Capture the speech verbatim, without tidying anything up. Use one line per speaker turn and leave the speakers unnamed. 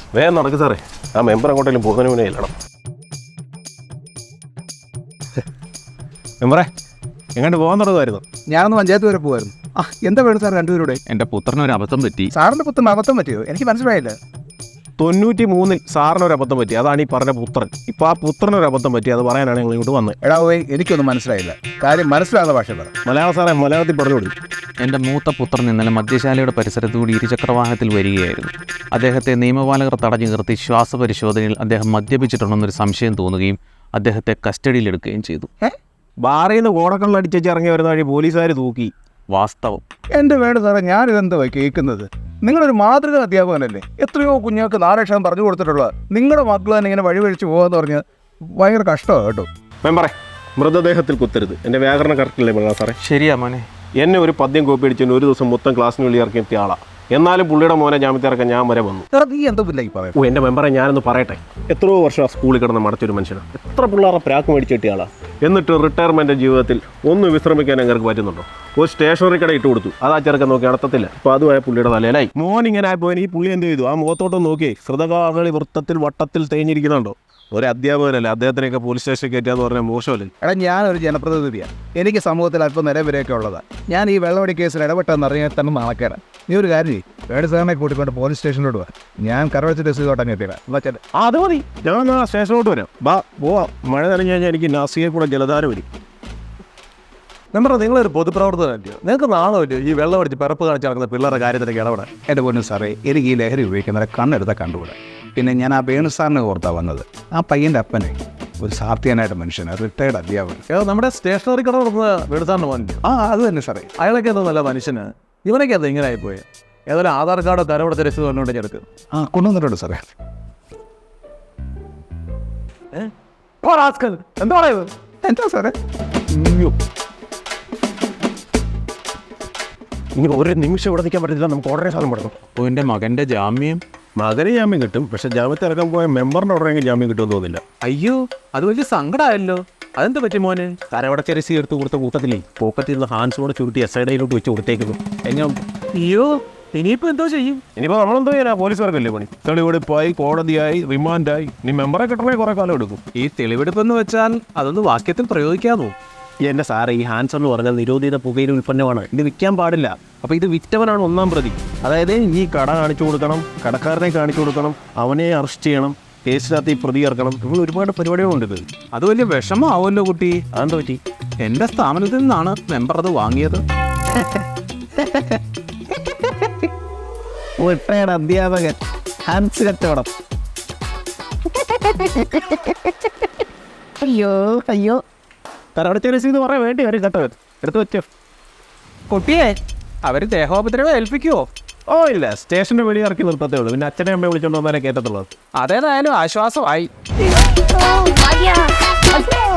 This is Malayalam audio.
വേഗം നടക്ക് സാറേ, ആ മെമ്പർ അങ്ങോട്ടെങ്കിലും പോകുന്നതിന് മുന്നേ ഇല്ലണം. മെമ്പറേ എങ്ങോട്ട് പോകാൻ തുടങ്ങുമായിരുന്നു?
ഞാനൊന്ന് പഞ്ചായത്ത് വരെ പോകുമായിരുന്നു. ആ എന്താ വേണം സാർ രണ്ടുപേരുടെ?
എൻ്റെ പുത്രനൊരു അബദ്ധം പറ്റി.
സാറിൻ്റെ പുത്രന് അബദ്ധം പറ്റിയോ? എനിക്ക് മനസ്സിലായില്ല.
തൊണ്ണൂറ്റി മൂന്നിൽ സാറിനൊരു അബദ്ധം പറ്റി, അതാണ് ഈ പറഞ്ഞ പുത്രൻ. ഇപ്പം ആ പുത്രനൊരു അബദ്ധം പറ്റി, അത് പറയാനാണ് ഞങ്ങൾ ഇങ്ങോട്ട് വന്നത്.
എടാ പോയി, എനിക്കൊന്നും മനസ്സിലായില്ല. കാര്യം മനസ്സിലാകുന്ന ഭാഷ പറ.
മലയാളം സാറേ, മലയാളത്തിൽ പറഞ്ഞു കൊടുക്കും.
എൻ്റെ മൂത്ത പുത്രൻ ഇന്നലെ മദ്യശാലയുടെ പരിസരത്തുകൂടി ഇരുചക്രവാഹനത്തിൽ വരികയായിരുന്നു. അദ്ദേഹത്തെ നിയമപാലകർ തടഞ്ഞു നിർത്തി ശ്വാസപരിശോധനയിൽ അദ്ദേഹം മദ്യപിച്ചിട്ടുണ്ടെന്നൊരു സംശയം തോന്നുകയും അദ്ദേഹത്തെ കസ്റ്റഡിയിലെടുക്കുകയും ചെയ്തു.
ബാറിൽ നിന്ന് കോടക്കള്ളടിച്ചേച്ച് ഇറങ്ങി വരുന്ന വഴി പോലീസുകാർ തൂക്കി.
വാസ്തവം.
എൻ്റെ വേണ്ട സാറേ, ഞാനിതെന്താ കേൾക്കുന്നത്? നിങ്ങളൊരു മാതൃക അധ്യാപകനല്ലേ? എത്രയോ കുഞ്ഞുങ്ങൾക്ക് നാലക്ഷരം പറഞ്ഞു കൊടുത്തിട്ടുള്ള നിങ്ങളുടെ മക്കൾ തന്നെ ഇങ്ങനെ വഴിവഴിച്ച് പോകാന്ന് പറഞ്ഞ് ഭയങ്കര കഷ്ടമാണ് കേട്ടോ.
മെമ്പറേ, മൃതദേഹത്തിൽ കുത്തരുത്. എൻ്റെ വ്യാകരണം കറക്റ്റില്ലേ മൃഗ സാറേ?
ശരിയാ മോനെ.
എന്നെ ഒരു പദ്യം കോപ്പി അടിച്ചതിന് ഒരു ദിവസം മൊത്തം ക്ലാസ്സിന് വെളി ഇറക്കി എത്തിയ ആളാണ്. എന്നാലും പുള്ളിയുടെ മോനെ ജാമ്യത്തിൽ ഇറക്കാൻ ഞാൻ വരെ വന്നു.
നീ എന്തോ ഇല്ല ഈ പറയാം.
ഓ എൻ്റെ മെമ്പറെ, ഞാനൊന്ന് പറയട്ടെ. എത്രയോ വർഷം ആ സ്കൂളിൽ കിടന്ന് മടച്ചൊരു മനുഷ്യനാണ്. എത്ര പിള്ളേരെ പ്രാക്ക് മേടിച്ച് കിട്ടിയ ആളാണ്. എന്നിട്ട് റിട്ടയർമെൻ്റ് ജീവിതത്തിൽ ഒന്ന് വിശ്രമിക്കാൻ അങ്ങനെ പറ്റുന്നുണ്ടോ? ഒരു സ്റ്റേഷനറി കട ഇട്ട് കൊടുത്തു, അത് ആ ചെറുക്കൻ നോക്കി നടത്തത്തില്ല. അപ്പോൾ അതുമായ പുള്ളിയുടെ തലയിലായി. മോൻ ഇങ്ങനെ ആയപ്പോൾ ഈ പുള്ളി എന്ത് ചെയ്തു? ആ മുഖത്തോട്ട് നോക്കി ഹൃദകാകളി വൃത്തത്തിൽ വട്ടത്തിൽ തേഞ്ഞിരിക്കുന്നുണ്ടോ? ഒരു അധ്യാപകനല്ലേ, അദ്ദേഹത്തിനെയൊക്കെ പോലീസ് സ്റ്റേഷനിൽ കയറ്റിയാന്ന് പറഞ്ഞാൽ മോശമല്ലേ?
എടാ, ഞാനൊരു ജനപ്രതിനിധിയാണ്. എനിക്ക് സമൂഹത്തിൽ അല്പം നിലവരെയൊക്കെ ഉള്ളതാണ്. ഞാൻ ഈ വെള്ളവടി കേസിൽ ഇടപെട്ടെന്ന് അറിയാൻ തന്നെ നാണക്കേടാണ്. നീ ഒരു കാര്യം ചെയ്യും, വേട് സാറിനെ കൂട്ടിക്കൊണ്ട് പോലീസ് സ്റ്റേഷനിലോട്ട് പോകാം. ഞാൻ കറവച്ച് ഡെസ് ചെയ്തോട്ടെ എത്തിയിടാം. എന്നാ ചേട്ടൻ
അത് മതി, ഞാൻ ആ സ്റ്റേഷനിലോട്ട് വരാം. ബാ പോവാം. മഴ നനഞ്ഞു കഴിഞ്ഞാൽ എനിക്ക് നാസികയിൽ കൂടെ ജലധാര വരും.
മെമ്പർ, നിങ്ങളൊരു പൊതുപ്രവർത്തകനല്ലയോ? നിങ്ങൾക്ക് നാണമല്ലോ ഈ വെള്ളം അടിച്ച് പിറപ്പ് കാണിച്ച് നടക്കുന്ന പിള്ളേരുടെ കാര്യത്തിലേക്ക് ഇടപെടാൻ?
എൻ്റെ പൊന്നു സാറേ, എനിക്ക് ഈ ലഹരി ഉപയോഗിക്കുന്നവരെ കണ്ണെടുത്താൽ കണ്ടുകൂടാ. പിന്നെ ഞാൻ ആ വേണു സാറിനെ ഓർത്താണ് വന്നത്. ആ പയ്യൻ്റെ അപ്പനെ ഒരു സാർത്ഥ്യനായിട്ട് മനുഷ്യനാണ്, റിട്ടയർഡ് അധ്യാപകൻ.
ഏതോ നമ്മുടെ സ്റ്റേഷനറി കട നടന്ന വെടുത്താണ്ട് പോകാൻ.
ആ അത് തന്നെ സാറേ.
അയാളൊക്കെ എന്തോ നല്ല മനുഷ്യന്. ഇവനൊക്കെ അത് ഇങ്ങനെ ആയിപ്പോയി. ഏതായാലും ആധാർ കാർഡോ തരവിടത്തെ രസീത് കൊണ്ടുകൊണ്ട് എടുക്കുക.
ആ കൊണ്ടുവന്നിട്ടുണ്ട് സാറേ.
എന്താ പറയുന്നത്?
എന്താ സാറേ?
ഇനി ഒരു നിമിഷം ഇവിടെ നിൽക്കാൻ പറ്റത്തില്ല, നമുക്ക് ഉടനെ സാധനം പെടണം.
അപ്പോൾ എൻ്റെ മകൻ്റെ ജാമ്യം
മകന് ജാമ്യം കിട്ടും, പക്ഷെ ജാമ്യത്തിൽ ഇറക്കാൻ പോയ മെമ്പറിൻ്റെ ഉടനെ ജാമ്യം കിട്ടുമെന്ന് തോന്നില്ല.
അയ്യോ, അത് വലിയ സങ്കടമായല്ലോ. അതെന്താ പറ്റി മോനെ?
തരവടച്ച രസി എടുത്ത് കൊടുത്ത കൂട്ടത്തിലേ പോക്കറ്റിൽ നിന്ന് ഹാൻഡ്സോടെ ചുരുട്ടി എസ് ഐ ഡയിലോട്ട് വെച്ച് കൊടുത്തേക്കുന്നു. എങ്ങനെ?
അയ്യോ, ഇനിയിപ്പോൾ എന്തോ ചെയ്യും?
ഇനിയിപ്പോൾ നമ്മളെന്തോ ചെയ്യാനാ? പോലീസുകാർക്കല്ലേ പണി. തെളിവെടുപ്പായി, കോടതിയായി, റിമാൻഡായി. നീ മെമ്പറെ കിട്ടണേ കുറേ കാലം എടുക്കും.
ഈ തെളിവെടുപ്പെന്ന് വെച്ചാൽ അതൊന്ന് വാക്യത്തിൽ പ്രയോഗിക്കാമോ?
എൻ്റെ സാറേ, ഈ ഹാൻഡ്സ് എന്ന് പറഞ്ഞാൽ നിരോധിത പുകയില ഉൽപ്പന്നമാണ്. ഇത് വിൽക്കാൻ പാടില്ല. അപ്പോൾ ഇത് വിറ്റവനാണ് ഒന്നാം പ്രതി. അതായത് ഈ കട കാണിച്ചു കൊടുക്കണം, കടക്കാരനെ കാണിച്ചു കൊടുക്കണം, അവനെ അറസ്റ്റ് ചെയ്യണം, കേസിനകത്ത് ഈ പ്രതി ഇറക്കണം. ഇവിടെ ഒരുപാട് പരിപാടികളുണ്ട്. ഇത്
അത് വലിയ വിഷമമാവുമല്ലോ കുട്ടി.
അതെന്താ പറ്റി?
എൻ്റെ സ്ഥാപനത്തിൽ നിന്നാണ് മെമ്പർ അത് വാങ്ങിയത്.
റിട്ടയർഡ് അധ്യാപകൻ, ഹാൻസ് കച്ചവടം. അയ്യോ അയ്യോ.
തരവടച്ച രസീത് പറയാൻ വേണ്ടി വരും കേട്ടോ. എടുത്ത് വെച്ചോ.
കുട്ടിയെ അവർ ദേഹോപദ്രവം ഏൽപ്പിക്കുമോ?
ഓ ഇല്ല, സ്റ്റേഷൻ്റെ വെളി ഇറക്കി നിർത്തത്തേ ഉള്ളൂ. പിന്നെ അച്ഛനെ അമ്മയെ വിളിച്ചോണ്ട് വന്നാലേ കേട്ടത്തുള്ളത്.
അതേതായാലും ആശ്വാസമായി.
Oh, Maria!